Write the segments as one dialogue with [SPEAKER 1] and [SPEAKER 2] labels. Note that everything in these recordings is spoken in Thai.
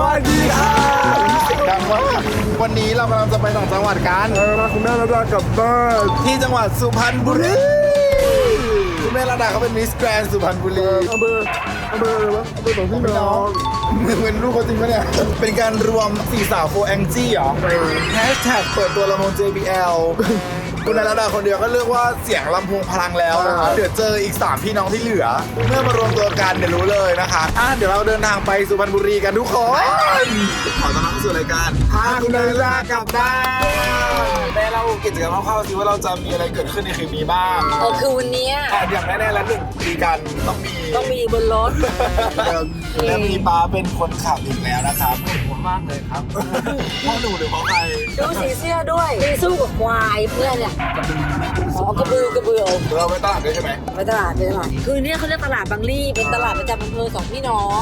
[SPEAKER 1] วัสดีครับเสียงดังมากวันนี้เรากำลังจะไปต่างจังหวัดกัน
[SPEAKER 2] พาคุณแม่ระดากลับบ้าน
[SPEAKER 1] ที่จังหวัดสุพรรณบุรีคุณแม่ระดาเขาเป็นมิสแกรนด์สุพรรณบุรี
[SPEAKER 2] อำเภออะไรวะอำเภอสองพี่น้อง
[SPEAKER 1] มึงเป็นลูกเขาจริงปะเนี่ยเป็นการรวมสี่สาวโฟแองจี้เหรอแฮชแท็กเปิดตัวลำโพง JBL คุณนายระดาคนเดียวก็เรียกว่าเสียงลำโพงพลังแล้วนะคะเดี๋ยวเจออีก3พี่น้องที่เหลือเมื่อมารวมตัวกันเดี๋ยวรู้เลยนะคะเดี๋ยวเราเดินทางไปสุพรรณบุรีกันทุกคนขอต้อนรับเข้าสู่รายการพาคุณนายระดากลับบ้านแม่เรากิจกรรมคร่าวๆสิว่าเราจะมีอะไรเกิดขึ้นในคืนนี้บ้าง
[SPEAKER 3] คือวันนี้
[SPEAKER 1] อย่างแน่ๆแล้ว1 ปีกันต้องมี
[SPEAKER 3] บนรถ
[SPEAKER 1] และมีป้าเป็นคนขับอีกแล้วนะครับผมมากเลยครับพ่อหนูหรือพ่อใคร
[SPEAKER 3] ดูสีเสื้อด้วยมีสู้กับควายเพื่อนเนี่ยกระบือ
[SPEAKER 1] เราไปตลาดด้วยใช่ไหม
[SPEAKER 3] ไปตลาดคือเนี่ยเขาเรียกตลาดบางลี่เป็นตลาดประจำอำเภอสองพี่น้อง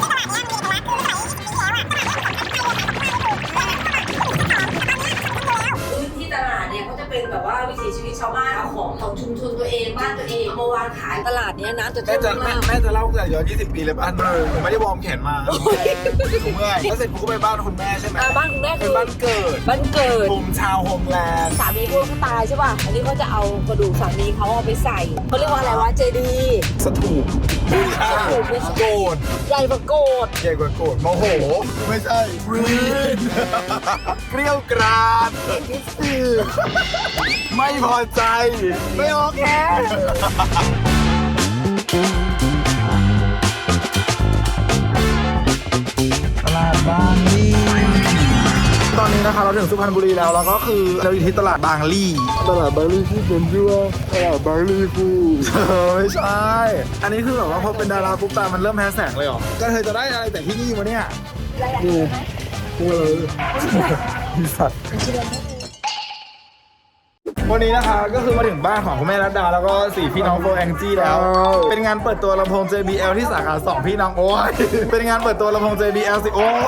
[SPEAKER 3] พื้นที่ตลาดเนี่ยเขาจะเป็นแบบว่าวิถีชีวิตชาวบ้านเอาของชุมชนตัวเองบ้านตัวเองมาวางขายตลาดเนี้ยน้ำจะท่วมมาก
[SPEAKER 1] แม่จะเล่าตั้งแต่ย้อน20 ปีเลยบ้านผมไม่ได้วอร์มแขนมาผมเมื่อยแล้วเสร็จผมก็ไปบ้านคุณแม่ใช่ไหม
[SPEAKER 3] บ้านคุณแม่คือ
[SPEAKER 1] บ้านเกิดผมชาวโฮมแลนด์
[SPEAKER 3] สามีพวกเขาตายใช่ป่ะอันนี้เขาจะเอากระดูกสามีเขาเอาไปใส่เขาเรียกว่าอะไรวะเจดีย์
[SPEAKER 1] สถูปโกรธ
[SPEAKER 3] ใหญ่กว่าโกด
[SPEAKER 1] ใหญ่กว่าโกรธโมโหไม่ใช่รีดเกรี้ยวกราดไม่พอใจไม่โอเคตลาดบางลี่ตอนนี้นะคะเราถึงสุพรรณบุรีแล้วก็คือเราอยู่ที่ตลาดบางลี่
[SPEAKER 2] ที่เป็นชื่อว่าตลาดบางลี่ฟู
[SPEAKER 1] ไม่ใช่อันนี้คือแบบว่าพอเป็นดาราปุ๊บตามันเริ่มแฮชแท็กเลยเหรอก็เธอจะได้อะไรแต่ที่นี่วะเนี่ย
[SPEAKER 2] ดูเลย
[SPEAKER 1] สัตว์วันนี้นะคะก็คือมาถึงบ้านของคุณแม่รัตดาแล้วก็4พี่น้องโฟแองจี้แล้วเป็นงานเปิดตัวลำโพง JBL ที่สาขา2พี่น้องโอ้ยเป็นงานเปิดตัวลำโพง JBL สิโอ้ย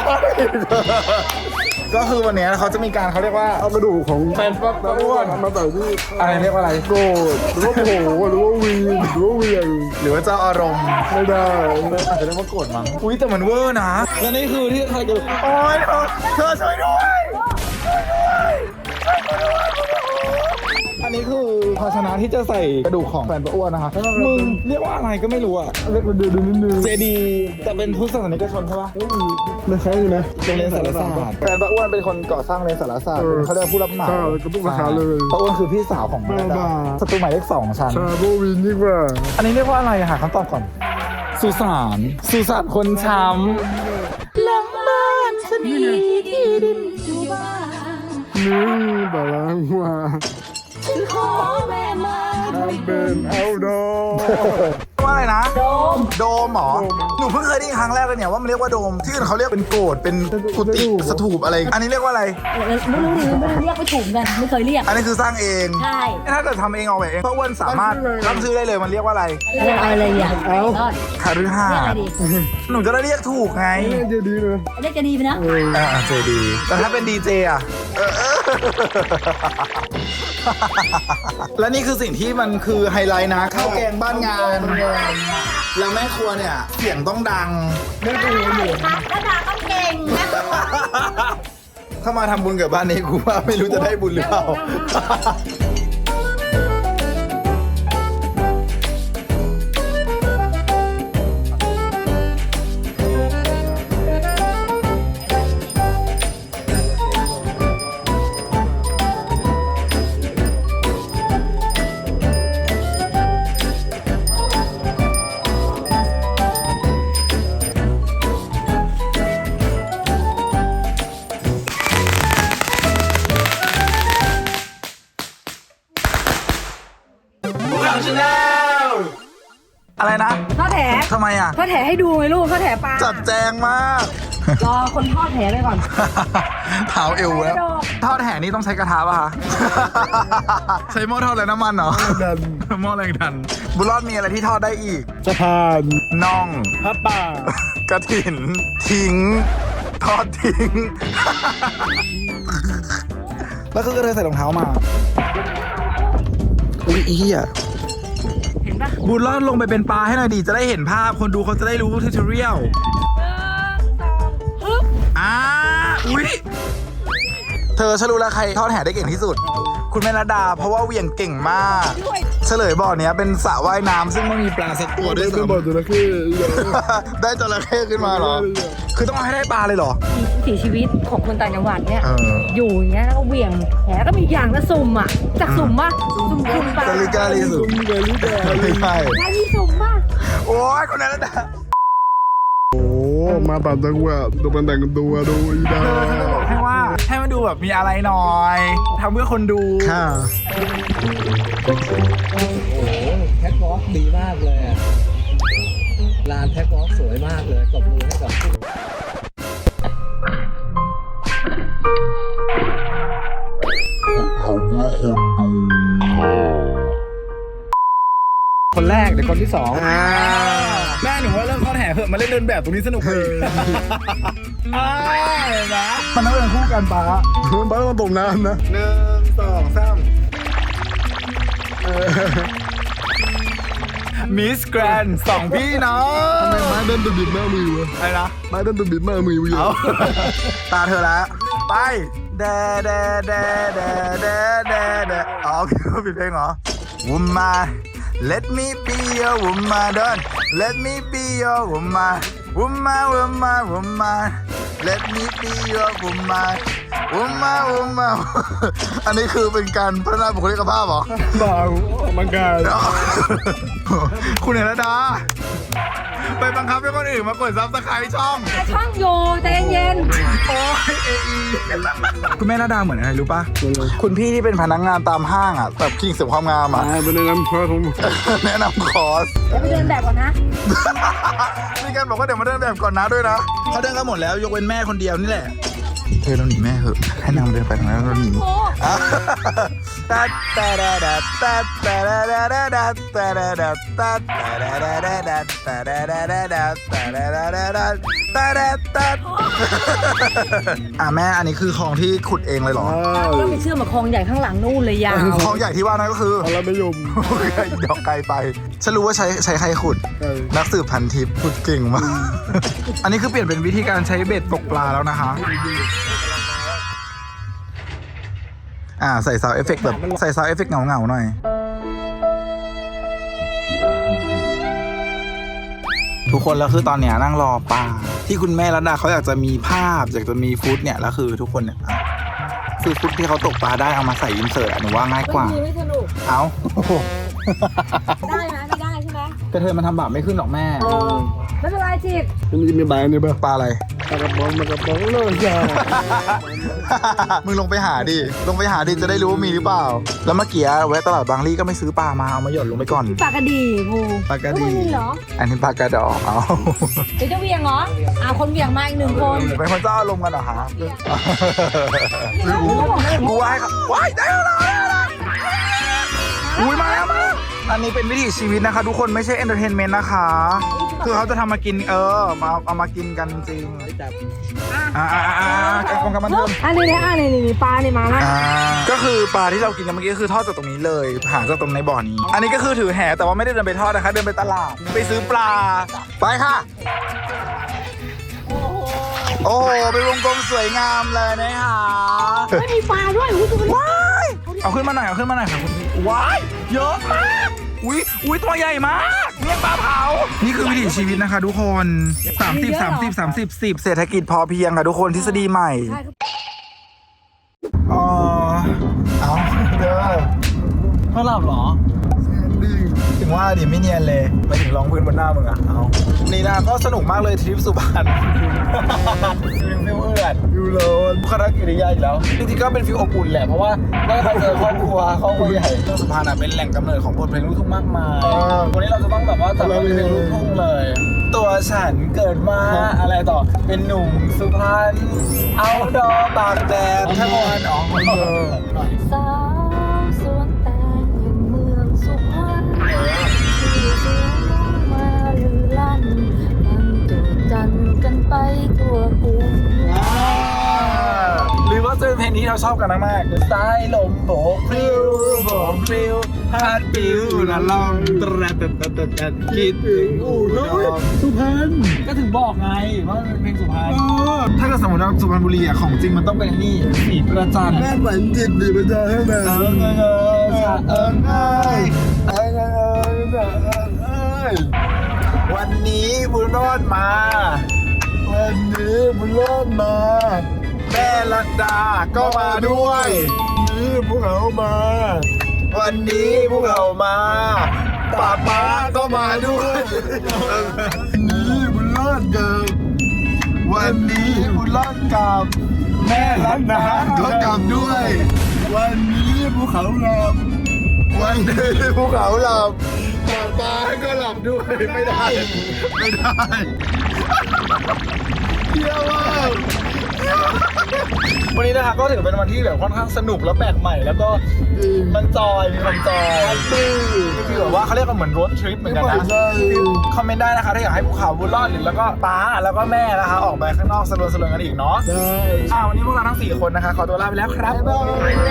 [SPEAKER 1] ก็คือวันนี้เขาจะมีการเขาเรียกว่า
[SPEAKER 2] เอากระดูกของ
[SPEAKER 1] แฟนปั๊บอ้วน
[SPEAKER 2] มาใส่ที่
[SPEAKER 1] อะไรเรียกว่าอะไร
[SPEAKER 2] โกรธหรือว่าโผล่หรือว่าวีนหรือว่าเวียง
[SPEAKER 1] หรือว่าเจ้าอารมณ์
[SPEAKER 2] ไม่ได้
[SPEAKER 1] อาจจะเรียกว่าโกรธมั้งอุ้ยแต่มันเวอร์นะและนี่คือที่ใครจะโอ๊ยเธอช่วยด้วยอันนี้คือภาชนะที่จะใส่กระดูกของแฟนป้าอ้วนนะคะมึงเรียกว่าอะไรก็ไม่รู้อะ
[SPEAKER 2] เล็กเดือดนิดนึง
[SPEAKER 1] เจดีแต่เป็นพุทธศาสนิกชนใช่ปะ
[SPEAKER 2] ไม่ใช่นะ
[SPEAKER 1] โรงเรียนสารศาสตร์แฟนป้าอ้วนเป็นคนก่อสร้างโรงเรียนสารศาสตร์เขาเรียกผู้รับเหมา
[SPEAKER 2] ก็ต้องราคาเลย
[SPEAKER 1] ป้าอ้วนคือพี่สาวของแม่ดาศัตรูหมายเลข2ชั้น
[SPEAKER 2] ชาโบวินยิ่งกว่า
[SPEAKER 1] อันนี้เรียกว่าอะไรหาคำตอบก่อนสุสานคนช้ำ
[SPEAKER 3] หลังบ้านฉันมีที่ดินอยู่บ้าน
[SPEAKER 2] นี่บาลังว่า
[SPEAKER 3] ฉันขอแม่มา
[SPEAKER 2] ทำเป็นเอาดอ
[SPEAKER 1] ว่าอะไรนะ
[SPEAKER 3] โดม
[SPEAKER 1] หรอหนูเพิ่งเคยได้ครั้งแรกเลยเนี่ยว่ามันเรียกว่าโดมที่อื่นเขาเรียกเป็นโกรธเป็นกุฏิสถูปอะไรอันนี้เรียกว่าอะไร
[SPEAKER 3] ไม่รู้เรียกไม่ถูกกันไม่เคยเรียก
[SPEAKER 1] อันนี้คือสร้างเอง
[SPEAKER 3] ใช่
[SPEAKER 1] ถ้าเกิดทำเองเอาไปเองเพราะอ้วนสามารถตั้งชื่อได้เลยมันเรียกว่าอะไร
[SPEAKER 3] อะไรอย่าง
[SPEAKER 1] คารุฮาหนูจะได้เรียกถูกไง
[SPEAKER 2] เจดีเลย
[SPEAKER 3] เรียกจะดีไปนะ
[SPEAKER 1] เจดีแต่ถ้าเป็นดีเจอะและนี่คือสิ่งที่มันคือไฮไลท์นะข้าวแกงบ้านงานแล้วแม่ครัวเนี่ยเสียงต้องดัง
[SPEAKER 3] ไม่ดูอยู่ระดาต้องเก่งนะ
[SPEAKER 1] ถ้ามาทำบุญกับบ้านนี้กูว่าไม่รู้จะได้บุญหรือเปล่าอะไรนะ
[SPEAKER 3] ทอดแถ
[SPEAKER 1] ทำไมอ่ะ
[SPEAKER 3] ทอดแถให้ดูไหมลูกทอดแถปลา
[SPEAKER 1] จัดแจงมาก
[SPEAKER 3] รอคนทอดแถไปก่อน
[SPEAKER 1] เท้าเอวแล้วทอดแถนี่ต้องใช้กระทะป่ะคะใช้หม้อทอดอะไรน้ำมันเหรอหม้อแรงดันบุญรอดมีอะไรที่ทอดได้อีก
[SPEAKER 2] สะพาน
[SPEAKER 1] น่อง
[SPEAKER 2] พระป่าก
[SPEAKER 1] ระถินทิ้งทอดทิ้งแล้วคือก็เลยใส่รองเท้ามาอุ้ยเหี้ยบุญรอดลงไปเป็นปลาให้หน่อยดีจะได้เห็นภาพคนดูเขาจะได้รู้ทิวทอเรียลอุ๊ยเธอฉันรู้แล้วใครทอดแห่ได้เก่งที่สุด คุณแม่ระดาเพราะว่าเหวี่ยงเก่งมาก เฉลยบ่อเนี้ยเป็นสระว่ายน้ำซึ่งไม่มีปลาสักตัวด้วย
[SPEAKER 2] เป็นบ่อ
[SPEAKER 1] ซ้ำ
[SPEAKER 2] จระเข้เยอะ
[SPEAKER 1] ได้จระเข้ขึ้นมาเหรอ คือต้องเอาให้ได้ปลาเลยเหรอ
[SPEAKER 4] วิถีชีวิตของคนต่างจังหวัดเนี่ย
[SPEAKER 1] เออ
[SPEAKER 4] อยู่อย่างเงี้ยแล้วก็เหวี่ยงแหก็มีอย่างละสุ่มอ่ะจากสุ่มป่ะสุ่มคุณปลาก
[SPEAKER 1] าลิกาลีสุด
[SPEAKER 2] ซุ่มเกลิกา
[SPEAKER 1] ไม่ใช่
[SPEAKER 4] ได้มีสุ่มป่ะ
[SPEAKER 1] โอ้ยคนนั้นระดา
[SPEAKER 2] โอ้มาต่างจังหวัดดูมันแต่งตัวดูอีดา
[SPEAKER 1] บอกให้ว่าให้มันดูแบบมีอะไรหน่อยทำเพื่อคนดูค่ะ
[SPEAKER 5] แท็กวอล์กดีมากเลยอะลานแท็กวอล์กสวยมากเลยตบมือให้กับ
[SPEAKER 1] คนแรกเดี๋ยวคนที่สองแม่หนูว่าเริ่มทอดแห่เถอะมาเล่นเดินแบบตรงนี้สนุกเลยเห็นไหมมันต้องเดินคู่กันปะ
[SPEAKER 2] บ้านต้องตกน้ำนะ
[SPEAKER 1] 1 2 3มิสแกรนด์สองพี่น้อง
[SPEAKER 2] ทำไมไม้เดินตุบิดหน้ามือวะ
[SPEAKER 1] อะไรนะ
[SPEAKER 2] ไม้เดินตุบิดหน้ามือวะ
[SPEAKER 1] เอาตาเธอแล้วไปแดแดแดแดแดแดแดอ๋อโอเคผิดเพลงเหรอ Woman Let me be your woman don't Let me be your woman Woman woman woman Let me be your woman Woman woman อันนี้คือเป็นการพัฒนาบุคลิกภาพเหรอ
[SPEAKER 2] บ่าวมังกร
[SPEAKER 1] คุณเห็นแล้วดาไปบังคับให้คนอื่นมากดซับสไครต์ช่อง
[SPEAKER 4] แต่ช่องโยใจเย็น
[SPEAKER 1] โอ้ยเอคุณแม่นาดาเหมือนอะไรรู้ป่ะ คุณพี่ที่เป็นพนักงานตามห้างอ่ะแบบคิงเสริมความงามอ่ะ
[SPEAKER 2] เป็นในน้ำพระของ
[SPEAKER 1] แนะนำคอร์ส
[SPEAKER 4] เดี๋ยวไปเดินแบบก่อนนะ
[SPEAKER 1] มีการบอกว่าเดี๋ยวมาเดินแบบก่อนนะด้วยนะเขาเดินกันหมดแล้วยกเว้นแม่คนเดียวนี่แหละเธอเราหนีแม่เหอะให้นางเดินไปทางนั้นเราหนีตัดตัดตัดตัดตัดตัดตัดตัดตัดตัดตัดตัดแม่อันนี้คือคลองที่ขุดเองเลยเหรอ
[SPEAKER 4] ก็ไปเชื่อมกับคลองใหญ่ข้างหลังนู่นเลยยาว
[SPEAKER 1] คลองใหญ่ที่ว่านั่นก็คือ
[SPEAKER 2] พระมยม
[SPEAKER 1] ดอกไกลไปฉันรู้ว่าใช้ใครขุด นักสืบพันทิพย์ขุดเก่งมาก อันนี้คือเปลี่ยนเป็นวิธีการใช้เบ็ดตกปลาแล้วนะคะใส่ซาวด์เอฟเฟกต์แบบใส่ซาวด์เอฟเฟกต์เงาๆหน่อย ทุกคนแล้วคือตอนเนี้ยนั่งรอปลาที่คุณแม่รัตดาเขาอยากจะมีภาพอยากจะมีฟุตเนี่ยแล้วคือทุกคนเนี่ยคือฟุตที่เขาตกปลาได้เอามาใส่อินเสิร์ตหนูว่าง่ายกว่า
[SPEAKER 4] ไม่สนุก
[SPEAKER 1] เอา
[SPEAKER 4] ได้ไหมไม่ได้ใช่ไหม
[SPEAKER 1] กระเทยมันทำบาปไม่ขึ้นหรอกแม่
[SPEAKER 4] ไม่เป็นไรจิต
[SPEAKER 2] มันจะมีใบนี่ป่ะ
[SPEAKER 1] ปลาอะไร
[SPEAKER 2] ปลากระป๋องเลยจ้า
[SPEAKER 1] มึงลงไปหาดิ ลงไปหาดิจะได้รู้ว่ามีหรือเปล่า แล้วเมื่อกี้แวะตลาดบางลี่ก็ไม่ซื้อปลามาเอามาหย่อนลงไปก่อน
[SPEAKER 4] ปากกระดีงู
[SPEAKER 1] ปลากระดี
[SPEAKER 4] แล้วมันมีเหรอ
[SPEAKER 1] อันนี้ปลากระดอกเอา
[SPEAKER 4] เดี๋ยวจะเหวี่ยงเหรอคนเหวี่ยงมาอีก1 คน
[SPEAKER 1] เป็นคนเจ้าอารมณ์กันเหรอฮะกูว่าให้ครับว้ายได้แล้วอุ้ยมาแล้วมาอันนี้เป็นวิถีชีวิตนะคะทุกคนไม่ใช่เอนเตอร์เทนเมนต์นะคะ คือเขาจะทำมากินมาเอามากินกันจริงกองกำมันเทิง
[SPEAKER 4] นี่ปลานี่มาแล้ว
[SPEAKER 1] ก็คือปลาที่เรากินกันเมื่อกี้คือทอดจากตรงนี้เลยหาจากตรงในบ่อนี้ อันนี้ก็คือถือแหแต่ว่าไม่ได้เดินไปทอดนะคะ เดินไปตลาดไปซื้อปลาไปค่ะโอ้โหเป็นวงกลมสวยงามเลยนะคะ
[SPEAKER 4] ไม่มีปลาด้วยอุ้ยตัวมัน
[SPEAKER 1] ว้ายเอาขึ้นมาหน่อยค่ะคุณพี่ว้ายเยอะมากอุ้ยตัวใหญ่มากเมี่ยงปลาเผานี่คือวิถีชีวิตนะคะทุกคน30 เศรษฐกิจพอเพียงค่ะทุกคนทฤษฎีใหม่อ๋อเอาเด้อเขาหลับเหรอถึงว่าดิไม่เนียนเลยไปถึงรองพื้นบนหน้ามึงอ่ะเอานี่นะก็สนุกมากเลยทริปสุพรรณฟิลเอื้อนฟิลโลนบุคลิกกิริยาอีกแล้วจริงๆก็เป็นฟิลอบอุ่นแหละเพราะว่าได้ไปเจอครอบครัวใหญ่สุพรรณอ่ะเป็นแหล่งกำเนิดของบทเพลงลูกทุ่งมากมายวันนี้เราจะต้องแบบว่าจับเพลงลูกทุ่งเลย ตัวฉันเกิดมาอะไรต่อเป็นหนุ่มสุพรรณเอาดอตากแดดทั้งวันหน่อย
[SPEAKER 4] สาวสวนแตงแห่งเมืองสุพรรณที่เสียงมาลือลั่นมันตูดจันกันไปทั่วกรุง
[SPEAKER 1] หรือว่าจะเป็นเพลงนี้เราชอบกันมากๆสายลมโบกพลิ้วโบกพลิ้วฮาดปิวละลองตระตัดคิดถึงอู่ทอง
[SPEAKER 2] สุพรรณ
[SPEAKER 1] ก็ถึงบอกไงว่าเป็นเพลงสุพรรณถ้าเกิดสมมติเราสุพรรณบุรีอ่ะของจริงมันต้องเป็นนี่สีประจัน
[SPEAKER 2] แม่ฝันจิตดีไปเจอให้แม่
[SPEAKER 1] วันนี้บุญรอดมา
[SPEAKER 2] วันนี้บุญรอดมา
[SPEAKER 1] แม่ลัดดาก็มาด้วย
[SPEAKER 2] นี่พวกเขามา
[SPEAKER 1] วันนี้พวกเรามาป้าป๊าก็มาด้วย
[SPEAKER 2] นี่บุญรอดกับ
[SPEAKER 1] วันนี้บุญรอดกับแม่ลัดดาก็กลับด้วย
[SPEAKER 2] วันนี้พวกเขาหลับ
[SPEAKER 1] วันนี้ภูเขาหลับป้าป๊าก็หลับด้วยไม่ได้ ไม่ได้เที่ยวมากวันนี้นะคะก็ถือเป็นวันที่แบบค่อนข้างสนุกแล้วแปลกใหม่แล้วก็มันจอยมีความจอยคือแบบว่าเขาเรียกว่าเหมือนรถทริปเหมือนกันนะคอมเมนต์ได้นะคะถ้าอยากให้ภูเขาบุญรอดหรือแล้วก็ป๊าแล้วก็แม่นะคะออกไปข้างนอกสลวนกันอีกเนาะ
[SPEAKER 2] ใช่
[SPEAKER 1] วันนี้พวกเราทั้ง4คนนะคะขอตัวลาไปแล้วครับบ๊าย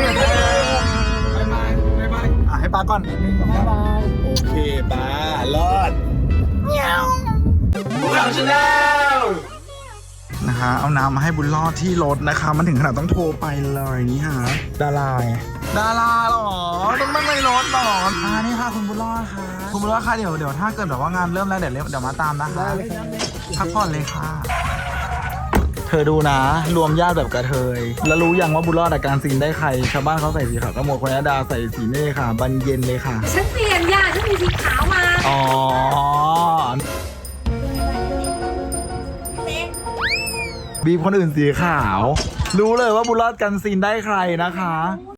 [SPEAKER 1] บายให้ป๊าก่อนโอเคป๊ารอดเงี้ยวภูเขาชาแนลนะคะเอาน้ำมาให้บุญรอดที่รถนะคะมันถึงขนาดต้องโทรไปเลยนี่ฮะดาราไงดาราหรอต้องนั่งในรถหรอนี่ค่ะคุณบุญรอดค่ะคุณบุญรอดค่ะเดี๋ยวถ้าเกิดแบบว่างานเริ่มแล้วเดี๋ยวมาตามนะคะพักผ่อนเลยค่ะเธอดูนะรวมญาติแบบกระเทยแล้วรู้ยังว่าบุญรอดอาการซีนได้ใครชาวบ้านเขาใส่สีขาวก็หมดคนนี้ดาใส่สีเน่ค่ะบันเย็นเลยค่ะ
[SPEAKER 3] ฉันเปลี่ยนยาฉันมีสีขาวมา
[SPEAKER 1] อ๋อบีบคนอื่นสีขาว รู้เลยว่าบุญรอดกันซีนได้ใครนะคะ